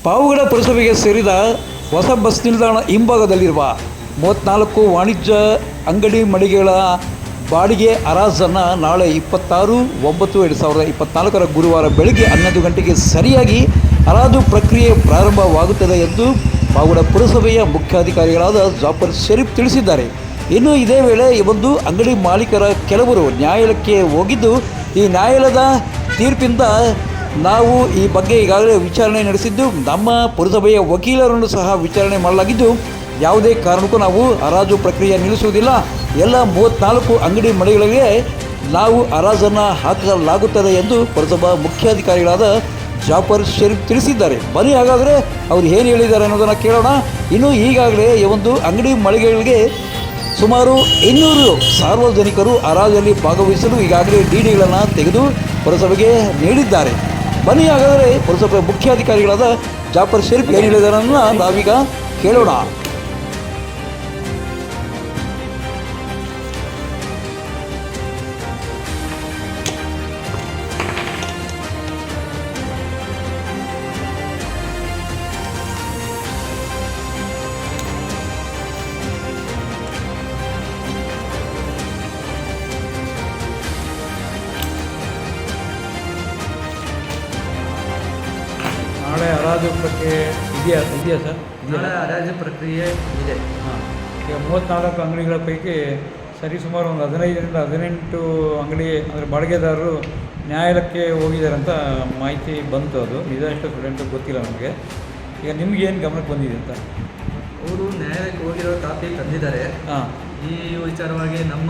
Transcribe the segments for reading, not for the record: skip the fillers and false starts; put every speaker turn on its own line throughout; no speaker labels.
ಪಾವಗಡ ಪುರಸಭೆಗೆ ಸೇರಿದ ಹೊಸ ಬಸ್ ನಿಲ್ದಾಣ ಹಿಂಭಾಗದಲ್ಲಿರುವ 34 ವಾಣಿಜ್ಯ ಅಂಗಡಿ ಮಳಿಗೆಗಳ ಬಾಡಿಗೆ ಹರಾಜನ್ನು ನಾಳೆ 26/9/2024 ಗುರುವಾರ ಬೆಳಗ್ಗೆ 11 ಗಂಟೆಗೆ ಸರಿಯಾಗಿ ಹರಾಜು ಪ್ರಕ್ರಿಯೆ ಪ್ರಾರಂಭವಾಗುತ್ತದೆ ಎಂದು ಪಾವಗಡ ಪುರಸಭೆಯ ಮುಖ್ಯಾಧಿಕಾರಿಗಳಾದ ಜಾಫರ್ ಶರೀಫ್ ತಿಳಿಸಿದ್ದಾರೆ. ಇನ್ನು ಇದೇ ವೇಳೆ ಈ ಒಂದು ಅಂಗಡಿ ಮಾಲೀಕರ ಕೆಲವರು ನ್ಯಾಯಾಲಯಕ್ಕೆ ಹೋಗಿದ್ದು, ಈ ನ್ಯಾಯಾಲಯದ ತೀರ್ಪಿಂದ ನಾವು ಈ ಬಗ್ಗೆ ಈಗಾಗಲೇ ವಿಚಾರಣೆ ನಡೆಸಿದ್ದು, ನಮ್ಮ ಪುರಸಭೆಯ ವಕೀಲರನ್ನು ಸಹ ವಿಚಾರಣೆ ಮಾಡಲಾಗಿದ್ದು, ಯಾವುದೇ ಕಾರಣಕ್ಕೂ ನಾವು ಹರಾಜು ಪ್ರಕ್ರಿಯೆ ನಿಲ್ಲಿಸುವುದಿಲ್ಲ. ಎಲ್ಲ 34 ಅಂಗಡಿ ಮಳಿಗೆಗಳಿಗೆ ನಾವು ಹರಾಜನ್ನು ಹಾಕಲಾಗುತ್ತದೆ ಎಂದು ಪುರಸಭಾ ಮುಖ್ಯಾಧಿಕಾರಿಗಳಾದ ಜಾಫರ್ ಶರೀಫ್ ತಿಳಿಸಿದ್ದಾರೆ. ಬನ್ನಿ ಹಾಗಾದರೆ ಅವರು ಏನು ಹೇಳಿದ್ದಾರೆ ಅನ್ನೋದನ್ನು ಕೇಳೋಣ. ಇನ್ನು ಈಗಾಗಲೇ ಈ ಒಂದು ಅಂಗಡಿ ಮಳಿಗೆಗಳಿಗೆ ಸುಮಾರು 200 ಸಾರ್ವಜನಿಕರು ಹರಾಜಲ್ಲಿ ಭಾಗವಹಿಸಲು ಈಗಾಗಲೇ ಡಿಡಿಗಳನ್ನು ತೆಗೆದು ಪುರಸಭೆಗೆ ನೀಡಿದ್ದಾರೆ. ಬನ್ನಿ ಹಾಗಾದರೆ ಪುರಸಭೆ ಮುಖ್ಯಾಧಿಕಾರಿಗಳಾದ ಜಾಫರ್ ಶರೀಫ್ ಏನು ಹೇಳಿದ್ದಾರೆ ಅನ್ನೋದನ್ನು ನಾವೀಗ ಕೇಳೋಣ. ನಾಳೆ ಹರಾಜು ಪ್ರಕ್ರಿಯೆ ಇದೆಯಾ ಸರ್?
ನಾಳೆ ಹರಾಜು ಪ್ರಕ್ರಿಯೆ ಇದೆ.
ಹಾಂ, ಈಗ 34 ಅಂಗಡಿಗಳ ಪೈಕಿ ಸರಿಸುಮಾರು ಒಂದು 15ರಿಂದ 18 ಅಂಗಡಿ ಅಂದರೆ ಬಾಡಿಗೆದಾರರು ನ್ಯಾಯಾಲಯಕ್ಕೆ ಹೋಗಿದ್ದಾರೆ ಅಂತ ಮಾಹಿತಿ ಬಂತು. ಅದು ನಿಜ ಎಷ್ಟು ಸ್ಟೂಡೆಂಟು ಗೊತ್ತಿಲ್ಲ ನಮಗೆ. ಈಗ ನಿಮ್ಗೇನು ಗಮನಕ್ಕೆ ಬಂದಿದೆ ಅಂತ?
ಅವರು ನ್ಯಾಯಾಲಯಕ್ಕೆ ಹೋಗಿರೋ ಕಾಪಿ ತಂದಿದ್ದಾರೆ.
ಹಾಂ,
ಈ ವಿಚಾರವಾಗಿ ನಮ್ಮ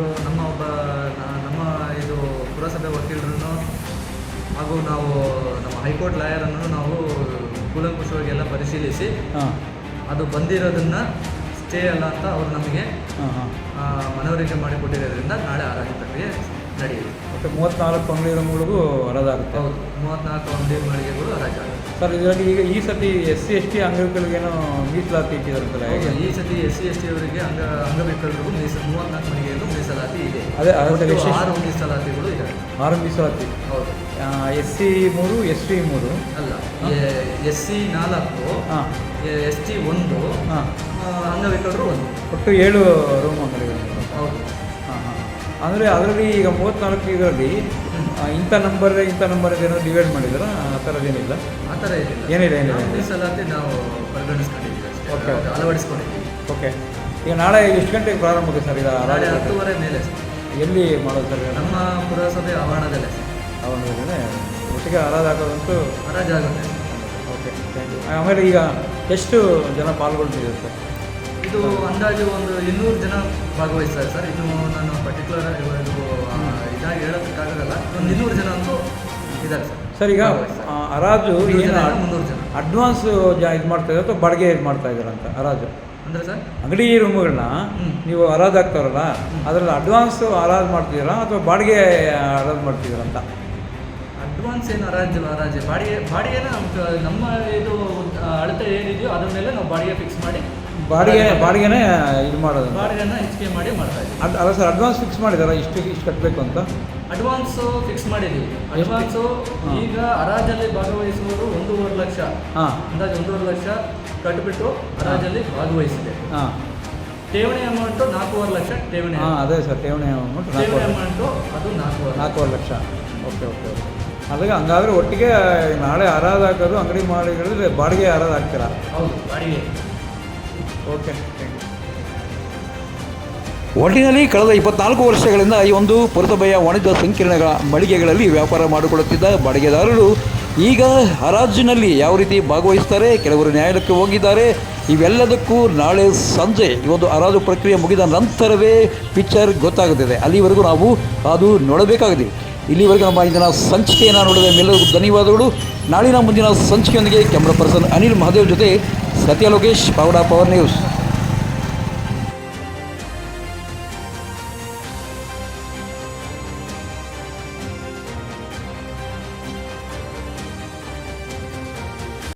ಇದು ಪುರಸಭೆ ವಕೀಲರನ್ನು ಹಾಗೂ ನಾವು ನಮ್ಮ ಹೈಕೋರ್ಟ್ ಲಾಯರನ್ನು ನಾವು ಕೂಲಂಕುಷವಾಗಿ ಎಲ್ಲ ಪರಿಶೀಲಿಸಿ ಅದು ಬಂದಿರೋದನ್ನು ಸ್ಟೇ ಅಲ್ಲ ಅಂತ ಅವರು ನಮಗೆ ಮನವರಿಕೆ ಮಾಡಿಕೊಟ್ಟಿರೋದ್ರಿಂದ ನಾಳೆ ಹರಾಜು ಪ್ರಕ್ರಿಯೆ ನಡೆಯುತ್ತೆ.
ಮತ್ತು 34 ಅಂಗಡಿಗಳಿಗೂ ಹರಾಜಾಗುತ್ತೆ.
ಹೌದು, 34 ಅಂಗಡಿ ಮಳಿಗೆಗಳು ಹರಾಜಾಗುತ್ತೆ
ಸರ್. ಇದರಲ್ಲಿ ಈಗ ಈ ಸತಿ SC ST ಅಂಗವಿಕಲರಿಗೇನೋ ಮೀಸಲಾತಿ ಇಟ್ಟಿದ್ದಾರಂತಲ್ಲ, ಹೇಗೆ?
ಈ ಸತಿ SC ST ಅವರಿಗೆ ಅಂಗವಿಕಲರಿಗೂ 34 ಮಳಿಗೆಗೂ ಮೀಸಲಾತಿ ಇದೆ.
ಅದೇ
6 ಮೀಸಲಾತಿಗಳು ಇದ್ದಾವೆ.
6 ಮೀಸಲಾತಿ.
ಹೌದು.
SC 3 ST 3
ಅಲ್ಲ, SC 4, ST 1, ಅಂಗವಿಕಲರು 1, ಒಟ್ಟು
7 ರೂಮ್ ಅಂಗಡಿಗಳು.
ಹೌದು.
ಅಂದರೆ ಅದರಲ್ಲಿ ಈಗ 34 ಇದರಲ್ಲಿ ಇಂಥ ನಂಬರ್ ಏನೋ ಡಿವೈಡ್ ಮಾಡಿದಾರ? ಆ ಥರದ್ದೇನಿಲ್ಲ.
ಆ ಥರ
ಏನಿಲ್ಲ.
ಮೀಸಲಾತಿ ನಾವು ಪರಿಗಣಿಸ್ಕೊಂಡಿದ್ದೀವಿ,
ಓಕೆ,
ಅಳವಡಿಸ್ಕೊಂಡಿದ್ದೀವಿ.
ಓಕೆ. ಈಗ ನಾಳೆ ಎಷ್ಟು ಗಂಟೆಗೆ ಪ್ರಾರಂಭ ಆಗುತ್ತೆ ಸರ್? ಈಗ
ನಾಳೆ 10:30 ಮೇಲೆ
ಎಲ್ಲಿ ಮಾಡೋದು ಸರ್?
ನಮ್ಮ ಪುರಸಭೆ ಆವರಣದಲ್ಲೇ.
ಆವರಣದಲ್ಲೇ ಒಟ್ಟಿಗೆ ಹರಾಜು ಹಾಕೋದಂತೂ
ಹರಾಜಾಗುತ್ತೆ.
Okay, thank you. ಆಮೇಲೆ ಈಗ ಎಷ್ಟು ಜನ ಪಾಲ್ಗೊಳ್ತಿದ್ದಾರೆ ಸರ್?
ಇದು ಅಂದಾಜು ಒಂದು 200 ಜನ ಭಾಗವಹಿಸ್ತಾರೆ ಸರ್. ಇದು ನಾನು ಪರ್ಟಿಕ್ಯುಲರ್ ಇದಾಗಿ ಹೇಳೋದಕ್ಕಾಗಲ್ಲ. ಒಂದು 200 ಜನ ಅಂತೂ ಇದ್ದಾರೆ ಸರ್.
ಸರ್, ಈಗ ಹರಾಜು ಏನು
300 ಜನ
ಅಡ್ವಾನ್ಸ್ ಇದು ಮಾಡ್ತಾ ಇದ್ದಾರೆ ಅಥವಾ ಬಾಡಿಗೆ ಇದು ಮಾಡ್ತಾ ಇದ್ದಾರೆ ಅಂತ? ಹರಾಜು
ಅಂದರೆ ಸರ್,
ಅಂಗಡಿ ರೂಮುಗಳನ್ನ ನೀವು ಹರಾಜು ಹಾಕ್ತಾರಲ್ಲ, ಅದರಲ್ಲಿ ಅಡ್ವಾನ್ಸ್ ಹರಾಜು ಮಾಡ್ತಿದ್ದೀರಾ ಅಥವಾ ಬಾಡಿಗೆ ಹರಾಜು ಮಾಡ್ತಿದ್ದೀರಾ ಅಂತ?
ಅಡ್ವಾನ್ಸ್ ಏನು ಹರಾಜು ಬಾಡಿಗೆನ ನಮ್ಮ ಇದು ಅಳತೆ ಏನಿದೆಯೋ ಅದ್ರ ಮೇಲೆ ನಾವು ಬಾಡಿಗೆ ಫಿಕ್ಸ್ ಮಾಡಿ
ಬಾಡಿಗೆನೇ ಇದು ಮಾಡೋದು,
ಬಾಡಿಗೆನ ಹೆಚ್ಚಿಗೆ ಮಾಡಿ ಮಾಡ್ತಾ ಇದ್ದೀವಿ.
ಅಲ್ಲ ಸರ್, ಅಡ್ವಾನ್ಸ್ ಫಿಕ್ಸ್ ಮಾಡಿದಾರಾ ಇಷ್ಟು ಕಟ್ಟಬೇಕು ಅಂತ?
ಅಡ್ವಾನ್ಸು ಫಿಕ್ಸ್ ಮಾಡಿದ್ದೀವಿ. ಅಡ್ವಾನ್ಸು ಈಗ ಹರಾಜಲ್ಲಿ ಭಾಗವಹಿಸುವವರು 1.5 ಲಕ್ಷ, ಅಂದಾಜು 1.5 ಲಕ್ಷ ಕಟ್ಟಿಬಿಟ್ಟು ಹರಾಜಲ್ಲಿ ಭಾಗವಹಿಸಿದೆ. ಠೇವಣಿ ಅಮೌಂಟು 4.5 ಲಕ್ಷ ಠೇವಣಿ.
ಅದೇ ಸರ್, ಠೇವಣಿ ಅಮೌಂಟು ಅದು 4.5 ಲಕ್ಷ. ಓಕೆ. ಅಲ್ಲಿಗೆ ಹಂಗಾದ್ರೆ ಒಟ್ಟಿಗೆ ನಾಳೆ ಹರಾಜು ಹಾಕೋದು ಅಂಗಡಿ ಮಾಡಿಗಳಲ್ಲಿ ಬಾಡಿಗೆ ಹರಾಜು ಹಾಕ್ತೀರಾ?
ಹೌದು, ಬಾಡಿಗೆ.
ಓಕೆ, ಒಟ್ಟಿನಲ್ಲಿ ಕಳೆದ 24 ವರ್ಷಗಳಿಂದ ಈ ಒಂದು ಪುರಸಭೆಯ ವಾಣಿಜ್ಯ ಸಂಕೀರ್ಣಗಳ ಮಳಿಗೆಗಳಲ್ಲಿ ವ್ಯಾಪಾರ ಮಾಡಿಕೊಳ್ಳುತ್ತಿದ್ದ ಬಾಡಿಗೆದಾರರು ಈಗ ಹರಾಜಿನಲ್ಲಿ ಯಾವ ರೀತಿ ಭಾಗವಹಿಸ್ತಾರೆ, ಕೆಲವರು ನ್ಯಾಯಾಲಯಕ್ಕೆ ಹೋಗಿದ್ದಾರೆ. ಇವೆಲ್ಲದಕ್ಕೂ ನಾಳೆ ಸಂಜೆ ಈ ಒಂದು ಹರಾಜು ಪ್ರಕ್ರಿಯೆ ಮುಗಿದ ನಂತರವೇ ಪಿಕ್ಚರ್ ಗೊತ್ತಾಗುತ್ತದೆ. ಅಲ್ಲಿವರೆಗೂ ನಾವು ಅದು ನೋಡಬೇಕಾಗಿದೆ. ಇಲ್ಲಿವರೆಗೂ ನಮ್ಮ ಇಂದಿನ ಸಂಚಿಕೆಯನ್ನು ನೋಡಿದ ಮೇಲೆಲ್ಲರಿಗೂ ಧನ್ಯವಾದಗಳು. ನಾಳಿನ ಮುಂದಿನ ಸಂಚಿಕೆಯೊಂದಿಗೆ ಕ್ಯಾಮ್ರಾ ಪರ್ಸನ್ ಅನಿಲ್ ಮಹಾದೇವ್ ಜೊತೆ ಸತ್ಯ ಲೋಕೇಶ್, ಪಾವಗಡ ಪವರ್ ನ್ಯೂಸ್.